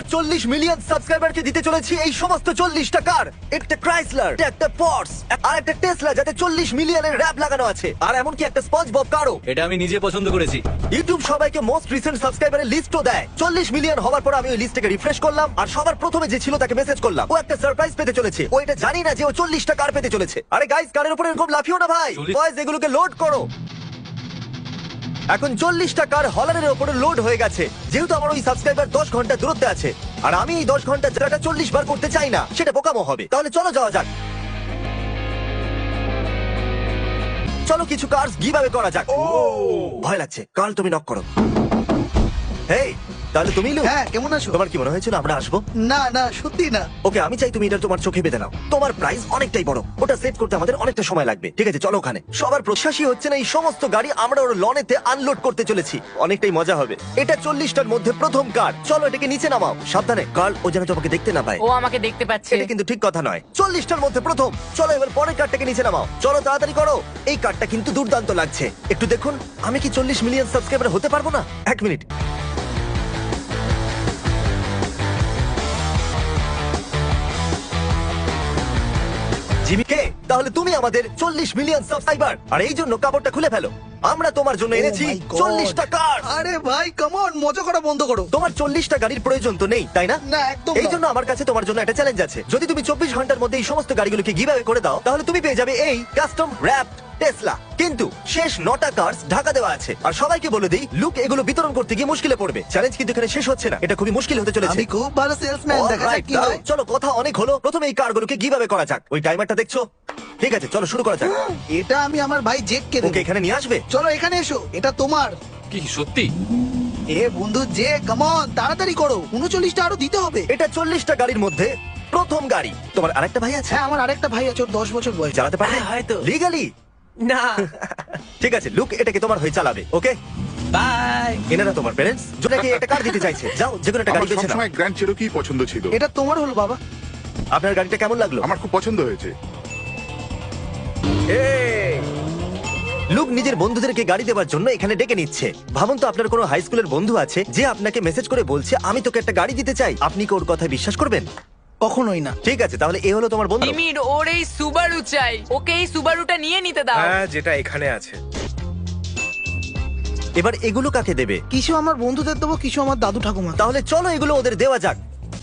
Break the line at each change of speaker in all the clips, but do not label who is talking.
40 million সাবস্ক্রাইবারকে দিতে চলেছি এই সমস্ত 40টা কার, একটা ক্রাইসলার, একটা পর্স, আর একটা টেসলা যাতে 40 মিলিয়নের র‍্যাপ লাগানো আছে, আর এমনকি একটা স্পঞ্জবব কারও।
এটা আমি নিজে পছন্দ করেছি।
ইউটিউব সবাইকে মোস্ট রিসেন্ট সাবস্ক্রাইবারের লিস্টও দেয়। 40 মিলিয়ন হওয়ার পর আমি ওই লিস্টটাকে রিফ্রেশ করলাম, আর সবার প্রথমে যে ছিল তাকে মেসেজ করলাম। ও একটা সারপ্রাইজ পেতে চলেছে, ও এটা জানি না যে ও 40টা কার পেতে চলেছে। আরে গাইস, কারের উপরে এরকম লাফিও না ভাই।
40
বয়েজ, এগুলোকে লোড করো। এখন 40টা কার হলারের উপরে লোড হয়ে গেছে, যেহেতু আমার ওই সাবস্ক্রাইবার 10 ঘন্টা দূরত্বে আছে, আর আমি এই 10 ঘন্টা যেটা 40 বার করতে চাই না, সেটা বোকামো হবে। তাহলে চলো যাওয়া যাক। চলো কিছু কার্স গিভঅ্যাওয়ে করা যাক। ভয় লাগছে। কাল তুমি নক করো। হেই, তাহলে তুমি লু।
হ্যাঁ, কেমন আছো?
তোমার কি মনে হয়েছিল আমরা আসবো?
না না, সত্যি না।
ওকে, আমি চাই তুমি এটা তোমার চোখে বেঁধে নাও। তোমার প্রাইস অনেকটাই বড়, ওটা সেট করতে আমাদের অনেকটা সময় লাগবে। ঠিক আছে, চলো ওখানে। সবার প্রশ্বাসই হচ্ছে না এই সমস্ত গাড়ি আমরা ওর লনেতে আনলোড করতে চলেছি। অনেকটাই মজা হবে। এটা 40টার মধ্যে প্রথম কার। চলো এটাকে নিচে নামাও। সাবধানে, কার্ল ও যেন তোমাকে দেখতে না পায়।
ও আমাকে দেখতে পাচ্ছে।
এটা কিন্তু ঠিক কথা নয়। 40টার মধ্যে প্রথম। চলো এবার পরের কার্ডটাকে নিচে নামাও। চলো তাড়াতাড়ি করো। এই কার্ডটা কিন্তু দুর্দান্ত লাগছে। একটু দেখুন, আমি কি 40 মিলিয়ন সাবস্ক্রাইবার হতে পারবো না? এক মিনিট। জিমি কে, তাহলে তুমি আমাদের 40 মিলিয়ন সাবস্ক্রাইবার, আর এই জন্য কাপড়টা খুলে ফেলো। আমরা তোমার জন্য এনেছি
Oh my God!
40টা কার।
আরে ভাই, কাম অন, মজা করা বন্ধ করো।
তোমার 40টা গাড়ির প্রয়োজন তো নেই, তাই না?
না, একদম
এই
না।
জন্য আমার কাছে তোমার জন্য একটা চ্যালেঞ্জ আছে। যদি তুমি 24 ঘন্টার মধ্যে এই সমস্ত গাড়িগুলোকে গিভঅ্যাওয়ে করে দাও, তাহলে তুমি পেয়ে যাবে এই কাস্টম র‍্যাপড টেসলা। কিন্তু শেষ 9টা কার্স ঢাকা দেওয়া আছে, আর সবাইকে বলে দিই, লুক এগুলো বিতরণ করতে গিয়ে মুশকিলে পড়বে। চ্যালেঞ্জ কিন্তু এখানে শেষ হচ্ছে না, এটা খুবই মুশকিল হতে চলেছে।
আমি খুব ভালো সেলসম্যান, দেখা যাক
Alright,
কি
দাঁড়াও,
হয়।
চলো কথা অনেক হলো। প্রথমে এই কারগুলোকে গিভঅ্যাওয়ে করা যাক। ওই টাইমারটা দেখছো? ঠিক আছে, চলো শুরু করা যাক।
এটা আমি আমার ভাই জেককে দেব।
ওকে এখানে নিয়ে আসবে।
চলো এখানে এসো, এটা তোমার।
কি সত্যি?
এ বন্ধু জে, কাম অন, তাড়াতাড়ি করো। 39টা আরো দিতে হবে।
এটা 40টা গাড়ির মধ্যে প্রথম গাড়ি। তোমার আরেকটা ভাই আছে?
হ্যাঁ, আমার আরেকটা ভাই আছে, ওর 10 বছর বয়স।
চালাতে পারবে?
হ্যাঁ, হয়তো।
লিগালি?
না।
ঠিক আছে, লুক এটাকে তোমার হয়ে চালাবে। Okay,
bye.
এনারা তোমার প্যারেন্টস, যাকে একটা কার দিতে চাইছে। যাও, যে কোনো একটা গাড়ি
আমার
বেছে নাও।
সবসময় গ্র্যান্ড চেরোকি পছন্দ ছিল।
এটা তোমার হলো বাবা।
আপনার গাড়িটা কেমন লাগলো?
আমার খুব পছন্দ হয়েছে।
এই! লুক নিজের বন্ধুদেরকে গাড়ি দেওয়ার জন্য এখানে ডেকে নিচ্ছে। ভাবুন তো, আপনার কোনো হাই স্কুলের বন্ধু আছে যে আপনাকে মেসেজ করে বলছে, আমি তোকে একটা গাড়ি দিতে চাই। আপনি কি ওর কথায় বিশ্বাস করবেন?
কখনোই না।
ঠিক আছে, তাহলে এ হলো তোমার বন্ধু।
জিমির ওর এই সুবারু চাই, ওকে এই সুবারুটা নিয়ে নিতে দাও।
হ্যাঁ, যেটা এখানে আছে।
এবার এগুলো কাকে দেবে?
কিছু আমার বন্ধুদের দেবো, কিছু আমার দাদু ঠাকুমা।
তাহলে চলো এগুলো ওদের দেওয়া যাক।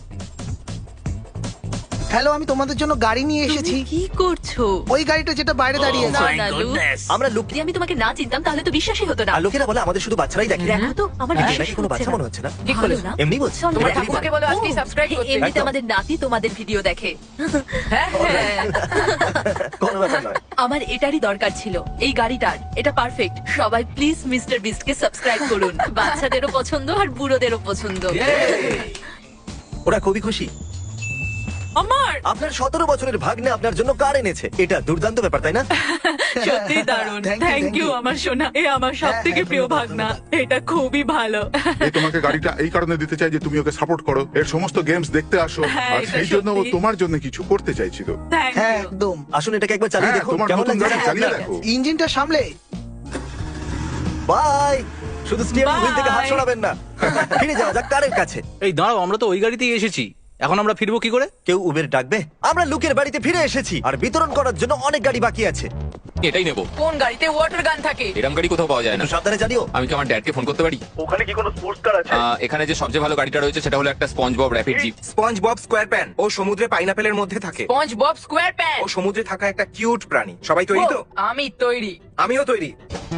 হ্যালো, আমি তোমাদের জন্য গাড়ি নিয়ে এসেছি।
তুমি কি করছো?
ওই গাড়িটা যেটা বাইরে দাঁড়িয়ে
না
আছে।
না লুক,
আমরা লুক,
যদি আমি তোমাকে না চিনতাম তাহলে তো বিশ্বাসই হতো না।
আর লোকেরা বলে আমাদের শুধু বাচ্চারাই দেখে।
দেখো তো, আমার
নাকি
বিশ্বাসই
কোনো
হচ্ছে
বাচ্চা
না।
মনে হচ্ছে না?
ঠিক
ভালো
বলেছো।
না?
এমনি বলছি।
চল,
তোমার
দেখা
ঠাকুমাকে
যাক।
বলো আজকেই
ও,
subscribe করতে।
এমনিতে
একদম।
আমাদের নাতি তোমাদের ভিডিও দেখে।
হ্যাঁ হ্যাঁ।
কোনো ব্যাপার নয়।
আমার এটারই দরকার ছিল, এই গাড়িটার। এটা পারফেক্ট। সবাই প্লিজ মিস্টার বিস্টকে সাবস্ক্রাইব করুন। বাচ্চাদেরও পছন্দ আর বুড়োদেরও পছন্দ।
ওরা খুবই খুশি।
আমার
আপনার 17 বছরের ভাগ্নে আপনার জন্য কার এনেছে। এটা দুর্দান্ত ব্যাপার, তাই না?
সত্যি দারুণ।
Thank you,
thank
thank
you
you.
আমার সোনা, এ আমার সবথেকে
হ্যাঁ,
প্রিয়
ধন্যবাদ,
ভাগনা।
ধন্যবাদ।
এটা খুবই ভালো।
এই তোমাকে গাড়িটা এই কারণে দিতে চাই যে তুমি ওকে সাপোর্ট করো, এর সমস্ত গেমস দেখতে আসো,
হ্যাঁ,
আর
এটা
সেই জন্য ও
সত্যি।
তোমার জন্য কিছু করতে চাইছিল।
থ্যাংক
হ্যাঁ,
ইউ।
একদম।
আসুন এটাকে একবার চালিয়ে
হ্যাঁ,
দেখুন
তোমার
কেমন
নতুন
লাগছে।
গাড়ি চালিয়ে দেখো।
ইঞ্জিনটা সামলে।
বাই। শুধু স্টিয়ারিং হুইল থেকে হাত
Bye.
সরাবেন না। ফিরে যাওয়া যাক কারের কাছে।
এই দাঁড়াও, আমরা তো ওই গাড়িতেই এসেছি। এখন আমরা ফিরবো কি করে?
কেউ উবের ডাকবে? আমরা লুকের বাড়িতে ফিরে এসেছি, আর বিতরণ করার জন্য অনেক গাড়ি বাকি আছে।
এটাই নেবো।
কোন গাড়িতে ওয়াটার গান থাকে?
এরম গাড়ি কোথাও পাওয়া যায় না।
একটু সাবধানে জানিও।
আমি কি আমার ড্যাডকে ফোন করতে পারি?
ওখানে কি কোনো স্পোর্টস কার আছে?
এখানে যে সবচেয়ে ভালো গাড়িটা রয়েছে সেটা হলো একটা SpongeBob rapid jeep.
SpongeBob SquarePants ও সমুদ্রে পাইনাপেলের মধ্যে থাকে।
SpongeBob SquarePants.
ও সমুদ্রে থাকা একটা কিউট প্রাণী। সবাই তৈরি তো?
আমি তৈরি।
আমিও তৈরি।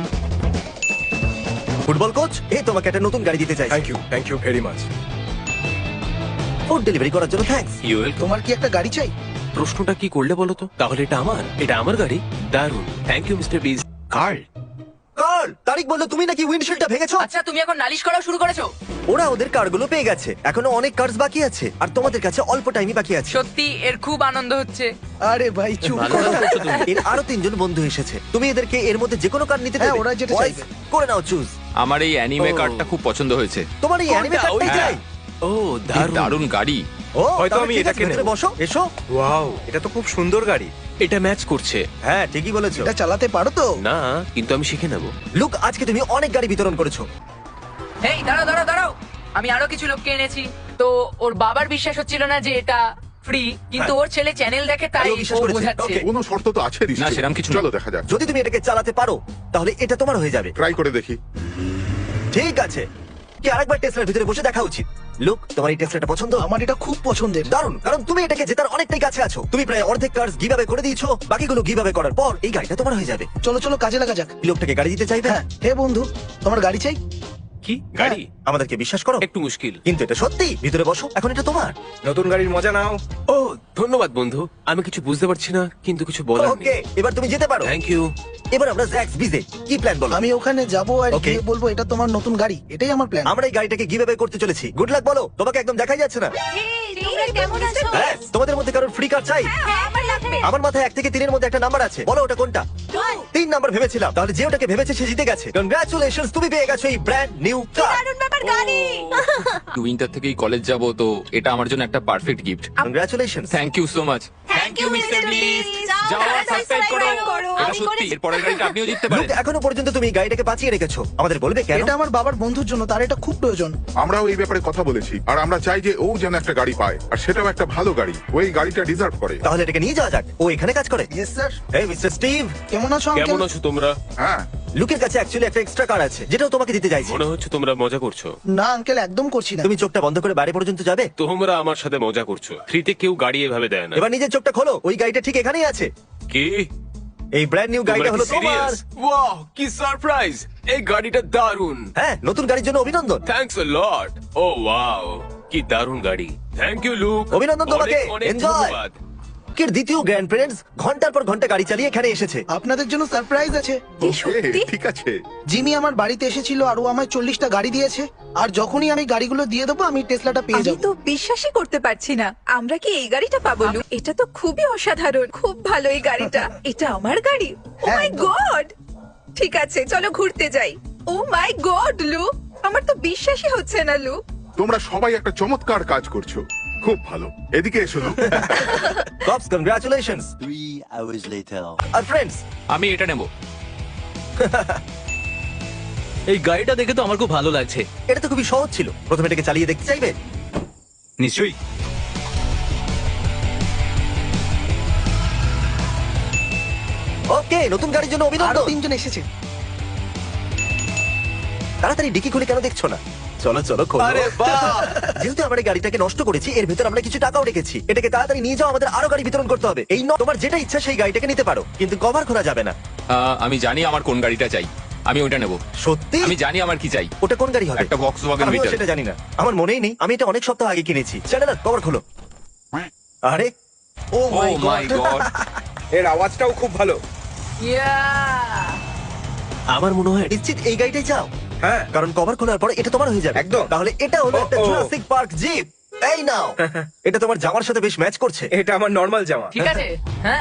ফুটবল কোচ, এই তোমাকে একটা নতুন গাড়ি দিতে চাই।
Thank you very much.
Food delivery করার জন্য থ্যাঙ্কস।
তোমার কি একটা গাড়ি চাই?
প্রশ্নটা কি করলে বলো তো? তাহলে এটা আমার গাড়ি। দারুণ, thank you mister Beast. Karl,
Karl, Tareq বললো তুমি নাকি উইন্ডশিল্ডটা ভেঙেছো।
আচ্ছা, তুমি এখন নালিশ করা শুরু করেছো?
ওরা ওদের কারগুলো পেয়ে গেছে, এখনো অনেক কার্স বাকি আছে, আর তোমাদের কাছে অল্প টাইমই বাকি আছে।
সত্যি এর খুব আনন্দ হচ্ছে।
আরে ভাই, চুপ
ভালো
করো।
কাজ করছো তুমি।
এর আরো 3 জন বন্ধু এসেছে। তুমি এদেরকে এর মধ্যে যে কোনো কার নিতে
হ্যাঁ,
দেবে।
ওরা যেটা
Boys,
চাইবে।
করে নাও চুজ।
আমার এই অ্যানিমে
ও।
কারটা খুব পছন্দ হয়েছে।
তোমার এই অ্যানিমে কারটাই
ওইটা।
চাই।
ও
কি
দারুণ।
দারুণ গাড়ি।
ও,
হয়তো
তাহলে
আমি
ঠিক আছে,
এটাকে
ভেতরে
নেব।
বসো, এসো।
ওয়াও, এটা তো খুব সুন্দর গাড়ি।
এটা ম্যাচ করছে।
হ্যাঁ, ঠিকই বলেছো।
এটা চালাতে পারো তো?
না, কিন্তু আমি শিখে নেব।
লুক, আজকে তুমি অনেক গাড়ি বিতরণ করেছো।
এই দাঁড়াও দাঁড়াও দাঁড়াও, আমি আরো কিছু লোককে এনেছি। তো ওর বাবার বিশ্বাস হচ্ছিল না যে এটা ফ্রি, কিন্তু ওর ছেলে চ্যানেল দেখে তাই
ও বিশ্বাস
ও
করেছে।
বোঝাচ্ছে।
Okay.
কোনো শর্ত তো আছে
না,
নিশ্চয়ই।
সেরকম কিছু না।
চলো দেখা যাক,
যদি তুমি এটাকে চালাতে পারো তাহলে এটা তোমার হয়ে যাবে।
ট্রাই করে দেখি।
ঠিক আছে, কি আরেকবার টেসলার ভিতরে বসে দেখা উচিত। লুক, তোমার এই টেসলাটা পছন্দ?
আমার এটা খুব পছন্দের।
দারুণ, কারণ তুমি এটাকে জেতার অনেকটাই কাছে আছো। তুমি প্রায় অর্ধেক কার্স গিভঅ্যাওয়ে করে দিয়েছো, বাকিগুলো গিভঅ্যাওয়ে করার পর এই গাড়িটা তোমার হয়ে যাবে।
চলো চলো কাজে লাগা যাক।
লোকটাকে গাড়ি দিতে চাইবে?
হ্যাঁ, হে বন্ধু, তোমার গাড়ি চাই?
কি গাড়ি?
আমাদেরকে বিশ্বাস করো,
একটু মুশকিল।
কিন্তু এটা সত্যি। ভিতরে বসো, এখন এটা তোমার।
নতুন গাড়ির মজা নাও।
ও ধন্যবাদ বন্ধু, আমি কিছু বুঝতে পারছি না কিন্তু কিছু বলার
ওকে,
নেই।
এবার তুমি যেতে পারো।
Thank you.
এবার আমরা জ্যাক্স বিজে কি প্ল্যান বলো?
আমি ওখানে যাবো আর
Okay.
গিয়ে বলবো এটা তোমার নতুন গাড়ি, এটাই আমার প্ল্যান।
আমরা এই গাড়িটাকে গিভঅ্যাওয়ে করতে চলেছি। গুড লাক বলো, তোমাকে একদম দেখাই যাচ্ছে না।
তোমরা কেমন আছো?
হ্যাঁ, তোমাদের মধ্যে কারোর ফ্রি কার চাই?
হ্যাঁ, আমার লাগবে।
আমার মাথায় 1 থেকে 3 এর মধ্যে একটা নাম্বার আছে, বলো ওটা কোনটা? 3 নাম্বার ভেবেছিলাম, তাহলে যে ওটাকে ভেবেছে সে জিতে গেছে। কনগ্রাচুলেশনস, তুমি পেয়ে গেছো এই ব্র্যান্ড নিউ কার।
দারুণ ব্যাপার, গাড়ি।
উইন্টার থেকেই কলেজ যাব, তো এটা আমার জন্য একটা perfect gift.
Congratulations.
Thank you so much.
Thank you, Mr. Beast.
যাও আর সাবস্ক্রাইব করো। এটা
আমি
সত্যি,
করেছি।
এর পরের গাড়িটা আপনিও জিততে
লুক,
পারেন।
এখনো পর্যন্ত তুমি এই গাড়িটাকে বাঁচিয়ে রেখেছো, আমাদের বলবে কেন?
এটা আমার বাবার বন্ধুর জন্য, তার এটা খুব প্রয়োজন।
আমরাও এই ব্যাপারে কথা বলেছি, আর আমরা চাই যে ও যেন একটা গাড়ি পায়, আর সেটাও একটা ভালো গাড়ি। ওই গাড়িটা ডিজার্ভ করে।
তাহলে এটাকে নিয়ে যাওয়া যাক। ও এখানে কাজ করে।
Yes sir.
এই মিস্টার স্টিভ,
কেমন আছো
কেমন
আঙ্কেল?
আছো তোমরা?
হ্যাঁ,
লুকের কাছে অ্যাকচুয়ালি একটা এক্সট্রা কার আছে, যেটাও তোমাকে দিতে চাইছি।
মনে হচ্ছে তোমরা মজা করছো।
না আঙ্কেল, একদম করছি না।
তুমি চোখটা বন্ধ করে বাইরে পর্যন্ত যাবে।
তোমরা আমার সাথে মজা করছো। ফ্রিতে কেউ গাড়ি এভাবে দেয় না।
এবার নিজের চোখটা খোলো, ওই গাড়িটা ঠিক এখানেই আছে।
কি?
এই ব্র্যান্ড নিউ গাড়িটা হলো তোমার।
ওয়াও, কি সারপ্রাইজ! এই গাড়িটা দারুণ।
হ্যাঁ, নতুন গাড়ির জন্য অভিনন্দন।
Thanks a lot. O wow, কি দারুণ গাড়ি। Thank you Luke.
অভিনন্দন তোমাকে।
অনেক অনেক
Enjoy.
ধন্যবাদ।
লুকের দ্বিতীয় গ্র্যান্ড প্যারেন্টস ঘন্টার পর ঘন্টা গাড়ি চালিয়ে এখানে এসেছে।
আপনাদের জন্য সারপ্রাইজ আছে।
ওকে, ঠিক আছে।
জিমি আমার বাড়িতে এসেছিল আর ও আমায় 40টা গাড়ি দিয়েছে, আর যখনই আমি গাড়িগুলো দিয়ে দেবো আমি টেসলাটা পেয়ে
আমি
যাবো।
তো বিশ্বাসই করতে পারছি না আমরা কি এই গাড়িটা পাবো লু? এটা তো খুবই অসাধারণ, খুব ভালো এই গাড়িটা। এটা আমার গাড়ি? ও
হ্যাঁ,
মাই
একদম।
গড! ঠিক আছে, চলো ঘুরতে যাই। ও মাই গড লু, আমার তো বিশ্বাসই হচ্ছে না লু।
তোমরা সবাই একটা চমৎকার কাজ করছো, খুব ভালো। এদিকে এসো Luke.
Cops, congratulations.
3 hours later.
আর ফ্রেন্ডস,
আমি এটা নেব।
এই গাড়িটা দেখে তো আমার খুব ভালো লাগছে।
এটা তো খুবই সহজ ছিল। প্রথমে এটাকে চালিয়ে দেখতে চাইবে?
নিশ্চয়ই।
ওকে, নতুন গাড়ির জন্য
আরো
অভিনন্দন।
3জন এসেছে।
তাড়াতাড়ি ডিকি খুলে কেন দেখছো না? চলো চলো খোলো।
আরে বাহ!
যেহেতু আমরা এই গাড়িটাকে নষ্ট করেছি, এর ভেতর আমরা কিছু টাকাও রেখেছি। এটাকে তাড়াতাড়ি নিয়ে যাও, আমাদের আরো গাড়ি বিতরণ করতে হবে। এই তোমার যেটা ইচ্ছা সেই গাড়িটাকে নিতে পারো, কিন্তু কভার খোলা যাবে না।
আমি জানি আমার কোন গাড়িটা চাই, আমি ওইটা নেব।
সত্যি?
আমি জানি আমার কি চাই।
ওটা কোন গাড়ি হবে?
একটা Volkswagen
আমিও
Beetle।
সেটা জানি না, আমার মনেই নেই। আমি এটা অনেক সপ্তাহ আগে কিনেছি। চ্যানেলার, কভার খোলো। আরে
ও
ও
মাই
মাই
গড।
গড।
এর আওয়াজটাও খুব ভালো।
আমার মনে হয়
নিশ্চিত এই গাড়িটাই চাও?
হ্যাঁ,
কারণ কভার খোলার পর এটা তোমার হয়ে যাবে।
একদম।
তাহলে এটা হলো একটা
ও, ও।
Jurassic Park jeep. এই নাও। এটা তোমার জামার সাথে বেশ ম্যাচ করছে।
এটা আমার নর্মাল জামা।
ঠিক আছে, হ্যাঁ।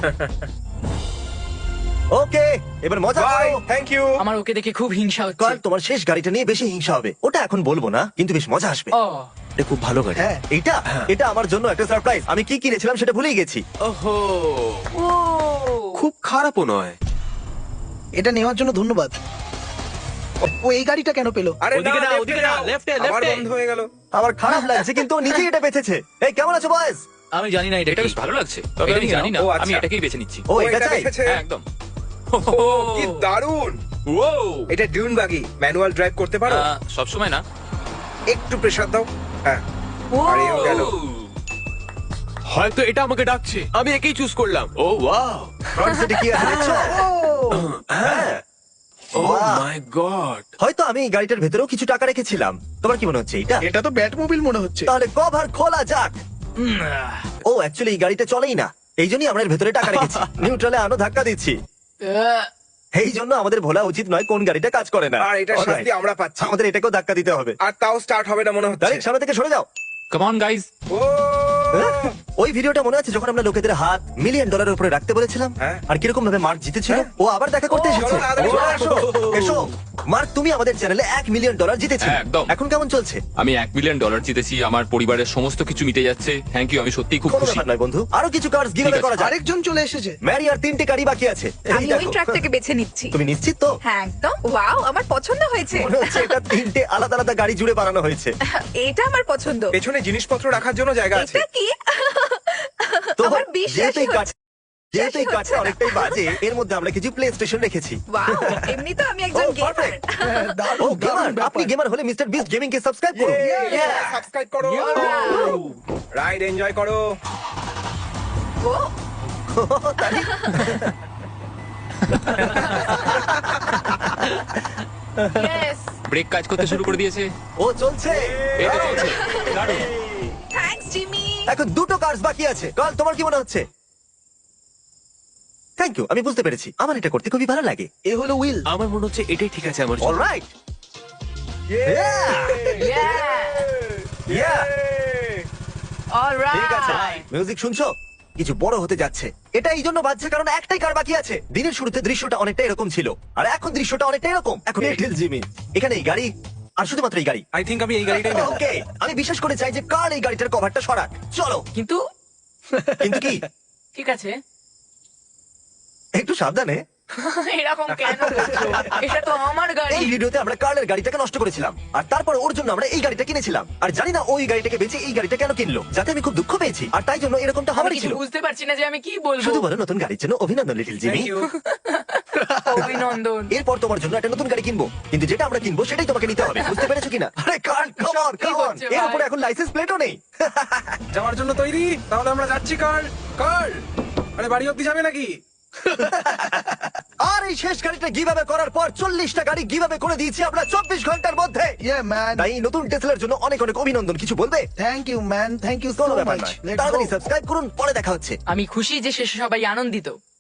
ওকে, এবার মজা
বাই,
করো।
Thank you.
আমার ওকে দেখে খুব হিংসা হচ্ছে।
কাল তোমার শেষ গাড়িটা নিয়ে বেশি হিংসা হবে। ওটা এখন বলবো না, কিন্তু বেশ মজা আসবে।
ও
এটা খুব ভালো গাড়ি।
হ্যাঁ,
এটা আমার জন্য একটা সারপ্রাইজ। আমি কি কিনেছিলাম সেটা ভুলেই গেছি।
ওহো,
ও
খুব খারাপও নয়।
এটা নেওয়ার জন্য ধন্যবাদ। ও এই গাড়িটা কেন পেলো?
আরে
ওদিকে না,
left-এ
ওদিকে না,
যাও।
left-এ,
আবার
left-এ।
বন্ধ হয়ে গেল।
আমার খারাপ লাগছে, কিন্তু ও নিজেই এটা বেঁচেছে। এই কেমন আছো বয়েস?
আমি জানি না এটা
এটা
কি।
বেশ ভালো লাগছে,
তবে
এটা
আমি
আমি জানি না।
ও, আচ্ছা।
আমি এটাকেই বেছে নিচ্ছি।
ও এটা চাই?
দেখেছে?
হ্যাঁ, একদম।
ও, কি দারুণ। এটা ডিউন বাগি, ম্যানুয়াল ড্রাইভ করতে পারো?
সব সময় না।
একটু প্রেসার দাও। হ্যাঁ, আরে ও গেল।
হয়তো এটা আমাকে ডাকছে, আমি একেই চুজ করলাম। ও ওয়াও,
ফ্রন্ট সিটে কি আছে দেখছো? হ্যাঁ।
ও
Wow.
My god.
হয়তো আমি এই গাড়িটার ভেতরেও কিছু টাকা রেখেছিলাম। তোমার কি মনে হচ্ছে এটা?
এটা তো ব্যাটমোবিল মনে হচ্ছে।
তাহলে কভার খোলা যাক। ও অ্যাকচুয়ালি এই গাড়িটা চলেই না, এই জন্যই আমরা এর ভেতরে টাকা রেখেছি। নিউট্রালে আনো ধাক্কা দিচ্ছি। এই জন্য আমাদের ভোলা উচিত নয় কোন গাড়িটা কাজ করে না।
আর এটা শাস্তি
Alright.
আমরা পাচ্ছি।
আমাদের এটাকেও ধাক্কা দিতে হবে।
আর তাও স্টার্ট হবে না মনে হচ্ছে।
তারিখ সামনে থেকে সরে যাও।
Come on guys.
ও
ওই ভিডিওটা মনে আছে যখন আমরা লোকেদের হাত $1,000,000 ডলারের উপরে রাখতে বলেছিলাম
হ্যাঁ।
আর কিরকম ভাবে মার্ক জিতেছিল ও আবার দেখা করতে এসেছে
চলো তাড়াতাড়ি চলে আসো।
এসো মার্ক তুমি আমাদের চ্যানেলে $1,000,000 জিতেছিলে
হ্যাঁ, একদম।
এখন কেমন চলছে
আমি $1 মিলিয়ন জিতেছি, আমার পরিবারের সমস্ত কিছু মিটে যাচ্ছে। থ্যাংক ইউ, আমি সত্যিই খুব
কোনো
খুশি।
ব্যাপার নয় বন্ধু আরো কিছু কার্ডস গিভঅ্যাওয়ে
ঠিক আছে।
করা যাক
আরেকজন চলে এসেছে।
ম্যারি আর 3টে গাড়ি বাকি আছে এই
আমি ওই
দেখো।
ট্রাকটাকে বেছে নিচ্ছি।
তুমি নিশ্চিত তো
হ্যাঁ একদম। ওয়াও, আমার পছন্দ হয়েছে।
মনে হচ্ছে এটা 3টে আলাদা আলাদা গাড়ি জুড়ে বানানো হয়েছে
এটা আমার পছন্দ।
পেছনে জিনিসপত্র রাখার জন্য জায়গা আছে।
এটা কি?
তো
আমার বিশ্বাসই
যেহেতু এই
হচ্ছে
কাঠ- যেহেতু এই কাঠটা
হচ্ছে না।
অনেকটাই বাজে এর মধ্যে আমরা কিছু প্লে স্টেশন রেখেছি
ওয়াও, এমনি তো আমি একজন
Oh,
গেমার।
perfect.
হ্যাঁ,
ও
দারুণ,
গেমার
দারুণ ব্যাপার।
আপনি গেমার হলে মিস্টার বিস্ট গেমিং কে সাবস্ক্রাইব করুন
সাবস্ক্রাইব করো। রাইড এনজয় করো।
ও,
Yes!
ব্রেক কাজ করতে শুরু করে দিয়েছে।
ও চলছে
এই তো চলছে। দারুণ।
Thanks Jimmy.
এখন দুটো কার্স বাকি আছে কাল তোমার কি মনে হচ্ছে থ্যাংক ইউ আমি বুঝতে পেরেছি আমার এটা করতে খুবই ভালো লাগে
এ হলো উইল।
আমার মনে হচ্ছে এটাই ঠিক আছে আমার জন্য।
Alright
Yeah! All
ঠিক আছে
right!
মিউজিক শুনছো কিছু বড় হতে যাচ্ছে এটা এই জন্য বাজছে কারণ একটাই কার বাকি আছে দিনের শুরুতে দৃশ্যটা অনেকটা এরকম ছিল আর এখন দৃশ্যটা অনেকটা এরকম এখন লিটল জিমি এখানে এই গাড়ি আর শুধুমাত্র এই গাড়ি
আই থিংক আমি এই গাড়িটাই নেব।
ওকে আমি বিশ্বাস করে চাই যে কার এই গাড়িটার কভারটা সরাক চলো
কিন্তু
কিন্তু কি
ঠিক আছে
একটু সাবধানে
এরকম কেন করছো? এটা তো আমার গাড়ি।
এই ভিডিওতে আমরা কার্লের গাড়িটাকে নষ্ট করেছিলাম আর তারপর ওর জন্য আমরা এই গাড়িটা কিনেছিলাম আর জানি না ওই গাড়িটাকে বেচে এই গাড়িটা কেন কিনলো যাতে আমি খুব দুঃখ পেয়েছি আর তাই জন্য এরকমটা
আমি
হওয়ারই
কিছু
ছিল
বুঝতে পারছি না যে আমি কি বলবো।
শুধু বলো নতুন গাড়ির জন্য অভিনন্দন লিটল জিমি
Thank you.
অভিনন্দন।
এরপর তোমার জন্য একটা নতুন গাড়ি কিনবো কিন্তু যেটা আমরা কিনবো সেটাই তোমাকে নিতে হবে বুঝতে পেরেছো কিনা আরে কার কাম অন
কি
কাম অন
হচ্ছে
এর
ভাই?
উপরে এখন লাইসেন্স প্লেটও নেই
যাওয়ার জন্য তৈরি? তাহলে আমরা যাচ্ছি কার। কার আরে বাড়ি অব্দি যাবে নাকি?
আর এই শেষ গাড়িটা গিভঅ্যাওয়ে করার পর 40টা গাড়ি গিভঅ্যাওয়ে করে দিয়েছি আমরা 24 ঘন্টার মধ্যে
ইয়া ম্যান।
তাই এই নতুন টেসলার জন্য অনেক অনেক অভিনন্দন কিছু বলবে
thank you man, thank you so
কোনো ব্যাপার
মাচ।
নয় তাড়াতাড়ি সাবস্ক্রাইব করুন পরে দেখা হচ্ছে
আমি খুশি যে শেষে সবাই আনন্দিত।